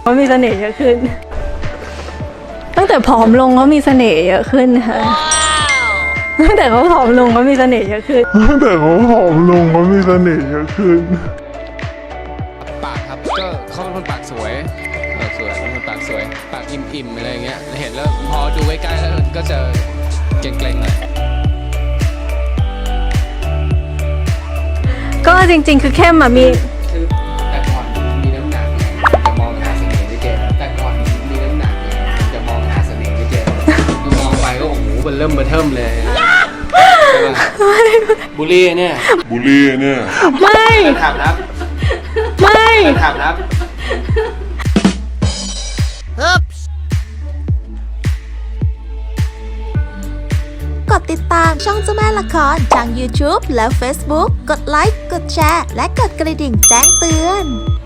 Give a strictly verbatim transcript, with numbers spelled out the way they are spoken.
เขามีเสน่ห์เยอะขึ้นตั้งแต่ผอมลงเขามีเสน่ห์เยอะขึ้นค่ะตั้งแต่เขาผอมลงเขามีเสน่ห์เยอะขึ้นตั้งแต่เขาผอมลงเขามีเสน่ห์เยอะขึ้นปากครับก็เขาเป็นคนปากสวยปากสวยเป็นคนปากสวยปากอิ่มๆอะไรเงี้ยเห็นแล้วพอดูใกล้ๆแล้วก็จะเกรงๆหน่อยก็จริงๆคือเข้มอะมีคือแต่ก่อนมีน้ำหนักจะมองหาเสน่ห์ไม่เจอแต่ก่อนมีน้ำหนักจะมองหาเสน่ห์ไม่เจอดูมองไปก็โอ้โหมันเริ่มมาเทิมเลยใช่ป่ะบุรีเนี่ยบุรีเนี่ยไม่ถามรับไม่ถามรับกดติดตามช่องเจ้าแม่ละครทาง YouTube และ Facebook กดไลค์ กดแชร์ และกดกระดิ่งแจ้งเตือน